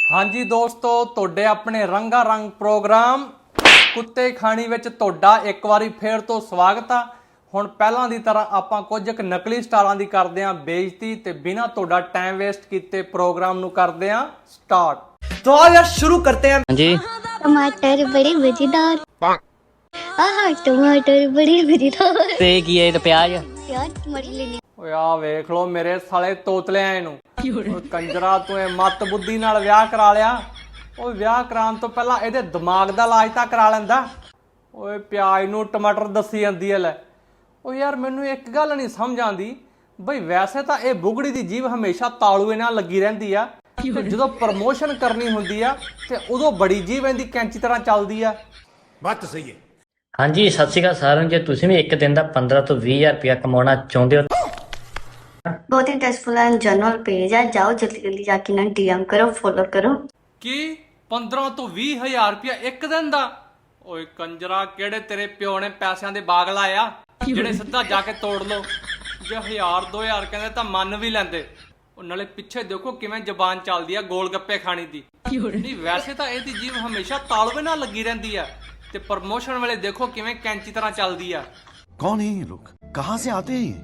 हाँ जी दोस्तों, तुहाडे अपने रंगा रंग प्रोग्राम कुत्ते खानी विच तुहाडा एक वारी फिर तो स्वागत आ। हुण पहलां दी तरह आपां कुछ क नकली स्टारां दी करदे आं बेइज्जती ते बिना तुहाडा टाइम वेस्ट कीते प्रोग्राम नूं करदे आं स्टार्ट। तो आओ यार शुरू करते हैं। हाँ जी। टमाटर बड़े मजेदार। आहा टमाटर बड़े मजेदार। ते की है तो प्याज यार टमाटर लेने ਓਏ ਆ ਵੇਖ ਲੋ ਮੇਰੇ ਸਾਲੇ ਤੋਤਲਿਆਂ ਇਹਨੂੰ। ਓਏ ਕੰਜਰਾ ਤੂੰ ਇਹ ਮੱਤ ਬੁੱਧੀ ਨਾਲ ਵਿਆਹ ਕਰਾ ਲਿਆ। ਓਏ ਵਿਆਹ ਕਰਾਉਣ ਤੋਂ ਪਹਿਲਾਂ ਇਹਦੇ ਦਿਮਾਗ ਦਾ ਇਲਾਜ ਤਾਂ ਕਰਾ ਲੈਂਦਾ। ਓਏ ਪਿਆਜ਼ ਨੂੰ ਟਮਾਟਰ ਦੱਸੀ ਜਾਂਦੀ ਐ ਲੈ। ਓ ਯਾਰ ਮੈਨੂੰ ਇੱਕ ਗੱਲ ਨਹੀਂ ਸਮਝ ਆਉਂਦੀ ਬਈ ਵੈਸੇ ਤਾਂ ਇਹ ਬੁਗੜੀ ਦੀ ਜੀਭ ਹਮੇਸ਼ਾ ਤਾਲੂਏ ਨਾਲ ਲੱਗੀ ਰਹਿੰਦੀ ਆ ਤੇ ਜਦੋਂ ਪ੍ਰਮੋਸ਼ਨ ਕਰਨੀ ਹੁੰਦੀ ਆ ਤੇ ਉਦੋਂ ਬੜੀ ਜੀਭ ਇਹਦੀ ਕੈਂਚੀ ਤਰ੍ਹਾਂ ਚੱਲਦੀ ਆ। बात तो सही है। हाँ जी सत श्री अकाल साਰਿਆਂ ਨੂੰ। ਜੇ ਤੁਸੀਂ ਵੀ ਇੱਕ ਦਿਨ ਦਾ 15 ਤੋਂ 20000 ਰੁਪਇਆ ਕਮਾਉਣਾ ਚਾਹੁੰਦੇ ਹੋ बहुत इंटरेस्टफुल एंड जनरल पेज है, जाओ जल्दी जल्दी जाके ना डीएम करो, फॉलो करो। ਕੀ 15 ਤੋਂ 20,000 ਰੁਪਇਆ ਇੱਕ ਦਿਨ ਦਾ? ਓਏ ਕੰਜਰਾ ਕਿਹੜੇ ਤੇਰੇ ਪਿਓ ਨੇ ਪੈਸਿਆਂ ਦੇ ਬਾਗ ਲਾਇਆ ਜਿਹੜੇ ਸਿੱਧਾ ਜਾ ਕੇ ਤੋੜ ਲੋ। ਜੇ 1000-2000 ਕਹਿੰਦੇ ਤਾਂ ਮੰਨ ਵੀ ਲੈਂਦੇ। ਉਹ ਨਾਲੇ ਪਿੱਛੇ ਦੇਖੋ ਕਿਵੇਂ ਜ਼ਬਾਨ ਚੱਲਦੀ ਆ ਗੋਲ ਗੱਪੇ ਖਾਣੀ ਦੀ। ਨਹੀਂ ਵੈਸੇ ਤਾਂ ਇਹਦੀ ਜੀਭ ਹਮੇਸ਼ਾ ਤਾਲਵੇ ਨਾਲ ਲੱਗੀ ਰਹਿੰਦੀ ਆ ਤੇ ਪ੍ਰਮੋਸ਼ਨ ਵੇਲੇ ਦੇਖੋ ਕਿਵੇਂ ਕੈਂਚੀ ਤਰ੍ਹਾਂ ਚੱਲਦੀ ਆ। कौन है ये लोग, कहाँ से आते हैं ये?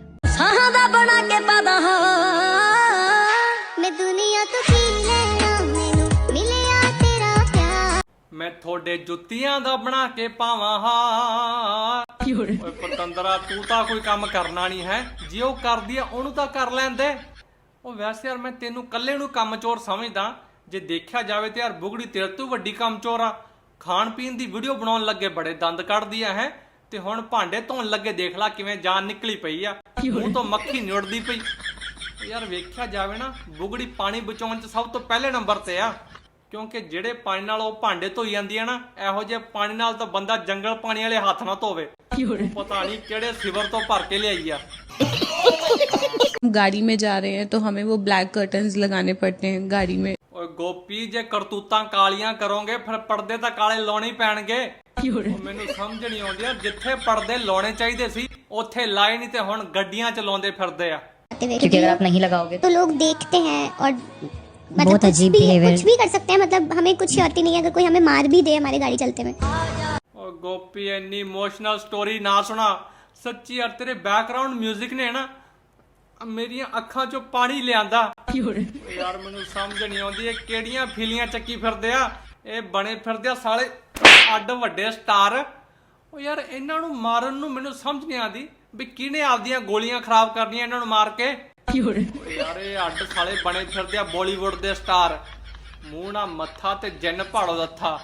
मैं दुनिया तो की लेना मैनू मिलिया तेरा प्यार। ਮੈਂ ਤੁਹਾਡੇ ਜੁੱਤੀਆਂ ਦਾ ਬਣਾ ਕੇ ਪਾਵਾਂ ਹਾਂ। ਓਏ ਪਤੰਦਰਾ ਤੂੰ ਤਾਂ ਕੋਈ ਕੰਮ ਕਰਨਾ ਨਹੀਂ ਹੈ, ਜੇ ਉਹ ਕਰਦੀ ਆ ਉਹਨੂੰ ਤਾਂ ਕਰ ਲੈਂਦੇ। ਉਹ ਵੈਸੇ ਯਾਰ ਮੈਂ ਤੈਨੂੰ ਕੱਲੇ ਨੂੰ ਕੰਮਚੋਰ ਸਮਝਦਾ, ਜੇ ਦੇਖਿਆ ਜਾਵੇ ਤੇ ਯਾਰ ਬੁਗੜੀ ਤੇਰੇ ਤੋਂ ਵੱਡੀ ਕੰਮਚੋਰ ਆ। ਖਾਣ ਪੀਣ ਦੀ ਵੀਡੀਓ ਬਣਾਉਣ ਲੱਗੇ ਬੜੇ ਦੰਦ ਕੱਢਦੀ ਆ ਹੈ ਤੇ ਹੁਣ ਭਾਂਡੇ ਧੋਣ ਲੱਗੇ ਦੇਖ ਲੈ ਕਿਵੇਂ ਜਾਨ ਨਿਕਲੀ ਪਈ ਆ, ਮੂੰਹ ਤੋਂ ਮੱਖੀ ਨਿਉੜਦੀ ਪਈ। ਯਾਰ ਵੇਖਿਆ ਜਾਵੇ ਨਾ ਬੁਗੜੀ ਪਾਣੀ ਬਚਾਉਣ 'ਚ ਸਭ ਤੋਂ ਪਹਿਲੇ ਨੰਬਰ ਤੇ ਆ, ਕਿਉਂਕਿ ਜਿਹੜੇ ਪਾਣੀ ਨਾਲ ਉਹ ਭਾਂਡੇ ਧੋਈ ਜਾਂਦੀ ਆ ਨਾ, ਇਹੋ ਜਿਹੇ ਪਾਣੀ ਨਾਲ ਤਾਂ ਬੰਦਾ ਜੰਗਲ ਪਾਣੀ ਵਾਲੇ ਹੱਥ ਨਾ ਧੋਵੇ। ਪਤਾ ਨਹੀਂ ਕਿਹੜੇ ਸਿਵਰ ਤੋਂ ਭਰ ਕੇ ਲਿਆਈ ਆ। गाड़ी में जा रहे हैं तो हमें वो ब्लैक कर्टन्स लगाने पड़ते हैं गाड़ी में। ਓਏ ਗੋਪੀ ਜੇ ਕਰਤੂਤਾਂ ਕਾਲੀਆਂ ਕਰੋਗੇ ਫਿਰ ਪਰਦੇ ਤਾਂ ਕਾਲੇ ਲਾਉਣੇ ਹੀ ਪੈਣਗੇ। ਉਹ ਮੈਨੂੰ ਸਮਝ ਨਹੀਂ ਆਉਂਦੀ ਯਾਰ, ਜਿੱਥੇ ਪਰਦੇ ਲਾਉਣੇ ਚਾਹੀਦੇ ਸੀ ਉੱਥੇ ਲਾਏ ਨਹੀਂ ਤੇ ਹੁਣ ਗੱਡੀਆਂ ਚ ਲਾਉਂਦੇ ਫਿਰਦੇ ਆ। क्योंकि अगर आप नहीं लगाओगे तो लोग देखते हैं और मतलब बहुत अजीब behavior। कुछ भी कर सकते हैं, मतलब हमें कुछ श्योरिटी नहीं है अगर कोई हमें मार भी दे हमारी गाड़ी चलते में। ਓ ਗੋਪੀ ਇੰਨੀ ਇਮੋਸ਼ਨਲ ਸਟੋਰੀ ਨਾ ਸੁਣਾ ਸੱਚੀ ਯਾਰ, ਤੇਰੇ ਬੈਕਗ੍ਰਾਉਂਡ 뮤직 ਨੇ ਨਾ ਮੇਰੀਆਂ ਅੱਖਾਂ 'ਚੋਂ ਪਾਣੀ ਲਿਆਂਦਾ। ਯਾਰ ਮੈਨੂੰ ਸਮਝ ਨਹੀਂ ਆਉਂਦੀ ਇਹ ਕਿਹੜੀਆਂ ਫਿਲੀਆਂ ਚੱਕੀ ਫਿਰਦੇ ਆ। ਇਹ ਬਣੇ ਫਿਰਦੇ ਆ ਸਾਲੇ ਅੱਡ ਵੱਡੇ ਸਟਾਰ। ਉਹ ਯਾਰ ਇਹਨਾਂ ਨੂੰ ਮਾਰਨ ਨੂੰ ਮੈਨੂੰ ਸਮਝ ਨਹੀਂ ਆਉਂਦੀ ਵੀ ਕਿਹਨੇ ਆਪਦੀਆਂ ਗੋਲੀਆਂ ਖਰਾਬ ਕਰਨੀਆਂ ਇਹਨਾਂ ਨੂੰ ਮਾਰ ਕੇ। ਯਾਰ ਇਹ ਅੱਡ ਸਾਲੇ ਬਣੇ ਫਿਰਦੇ ਆ ਬਾਲੀਵੁੱਡ ਦੇ ਸਟਾਰ, ਮੂੰਹ ਨਾ ਮੱਥਾ ਤੇ ਜਿੰਨ ਭਾੜੋ ਦੱਥਾ।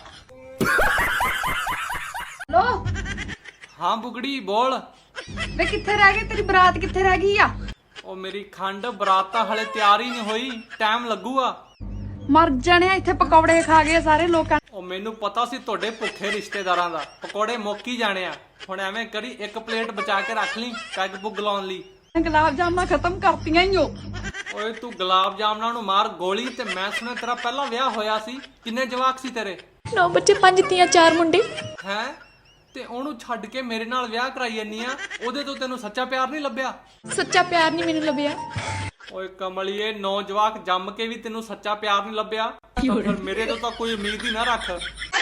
ਲੋ ਹਾਂ ਬੁਗੜੀ ਬੋਲ। ਵੇ ਕਿੱਥੇ ਰਹਿ ਗਈ ਤੇਰੀ ਬਰਾਤ, ਕਿੱਥੇ ਰਹਿ ਗਈ ਆ? ਉਹ ਮੇਰੀ ਖੰਡ ਬਰਾਤ ਤਾਂ ਹਲੇ ਤਿਆਰ ਹੀ ਨਹੀਂ ਹੋਈ, ਟਾਈਮ ਲੱਗੂਗਾ। ਮਰ ਜਾਣਿਆ, ਇੱਥੇ ਪਕੌੜੇ ਖਾ ਗਏ ਸਾਰੇ ਲੋਕਾਂ। ਉਹ ਮੈਨੂੰ ਪਤਾ ਸੀ ਤੁਹਾਡੇ ਭੁੱਖੇ ਰਿਸ਼ਤੇਦਾਰਾਂ ਦਾ ਪਕੌੜੇ ਮੁੱਕ ਹੀ ਜਾਣੇ ਆ। ਹੁਣ ਐਵੇਂ ਕਰੀ ਇੱਕ ਪਲੇਟ ਬਚਾ ਕੇ ਰੱਖ ਲਈ ਪੈਗ ਪੁੱਗ ਲਾਉਣ ਲਈ। ਗੁਲਾਬ ਜਾਮਨਾਂ ਖਤਮ ਕਰਤੀਆਂ ਹੀ ਓ। ਓਏ ਤੂੰ ਗੁਲਾਬ ਜਾਮਨਾਂ ਨੂੰ ਮਾਰ ਗੋਲੀ। ਤੇ ਮੈਂ ਸੁਣਿਆ ਤੇਰਾ ਪਹਿਲਾਂ ਵਿਆਹ ਹੋਇਆ ਸੀ, ਕਿੰਨੇ ਜਵਾਕ ਸੀ ਤੇਰੇ? 9 ਬੱਚੇ 5 ਧੀਆਂ 4 ਮੁੰਡੇ। ਹੈ ਤੇ ਉਹਨੂੰ ਛੱਡ ਕੇ ਮੇਰੇ ਨਾਲ ਵਿਆਹ ਕਰਾਈ ਜੰਨੀ ਆ, ਉਹਦੇ ਤੋਂ ਤੈਨੂੰ ਸੱਚਾ ਪਿਆਰ ਨਹੀਂ ਲੱਭਿਆ? ਸੱਚਾ ਪਿਆਰ ਨਹੀਂ ਮੈਨੂੰ ਲੱਭਿਆ। ਓਏ ਕਮਲੀਏ 9 ਜਵਾਕ ਜੰਮ ਕੇ ਵੀ ਤੈਨੂੰ ਸੱਚਾ ਪਿਆਰ ਨਹੀਂ ਲੱਭਿਆ ਤਾਂ ਫਿਰ ਮੇਰੇ ਤੋਂ ਤਾਂ ਕੋਈ ਉਮੀਦ ਹੀ ਨਾ ਰੱਖ।